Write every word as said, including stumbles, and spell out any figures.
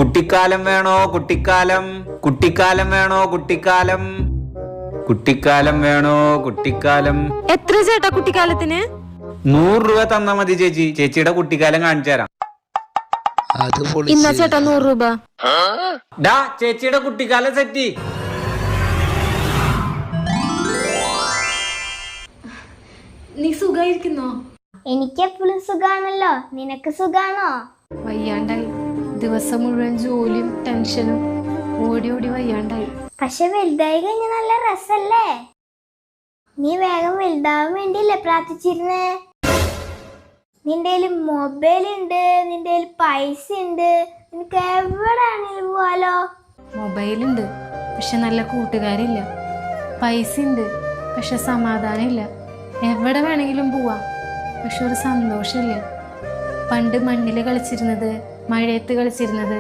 കുട്ടിക്കാലം വേണോ കുട്ടിക്കാലം കുട്ടിക്കാലം വേണോ കുട്ടിക്കാലം കുട്ടിക്കാലം വേണോ കുട്ടിക്കാലം എത്ര ചേട്ടാ കുട്ടിക്കാലത്തിന്? നൂറ് രൂപ തന്നാ മതി ചേച്ചി. ചേച്ചിയുടെ കുട്ടിക്കാലം കാണിച്ചു തരാം. ഇന്നാ ചേട്ടാ നൂറ് രൂപ. ഡാ ചേച്ചിയുടെ കുട്ടിക്കാലം സെറ്റി. നീ സുഖായിരിക്കുന്നോ? എനിക്ക് എപ്പോഴും സുഖാണല്ലോ. നിനക്ക് സുഖാണോ? വയ്യാണ്ടായി. ദിവസം മുഴുവൻ ജോലിയും ടെൻഷനും ഓടി ഓടി വയ്യാണ്ടായി. പക്ഷെ വലുതായി കഴിഞ്ഞ നല്ല രസല്ലേ? നീ വേഗം വലുതാവാൻ വേണ്ടിയല്ലേ പ്രാർത്ഥിച്ചിരുന്നേ? നിന്റെ മൊബൈൽ ഉണ്ട്, നിന്റെ പൈസ ഉണ്ട്, നിനക്ക് എവിടെയാണെങ്കിലും പോവാലോ. മൊബൈലുണ്ട് പക്ഷെ നല്ല കൂട്ടുകാരില്ല. പൈസ ഉണ്ട് പക്ഷെ സമാധാനം ഇല്ല. എവിടെ വേണമെങ്കിലും പോവാം പക്ഷെ ഒരു സന്തോഷമില്ല. പണ്ട് മണ്ണിൽ കളിച്ചിരുന്നത്, മഴയത്ത് കളിച്ചിരുന്നത്,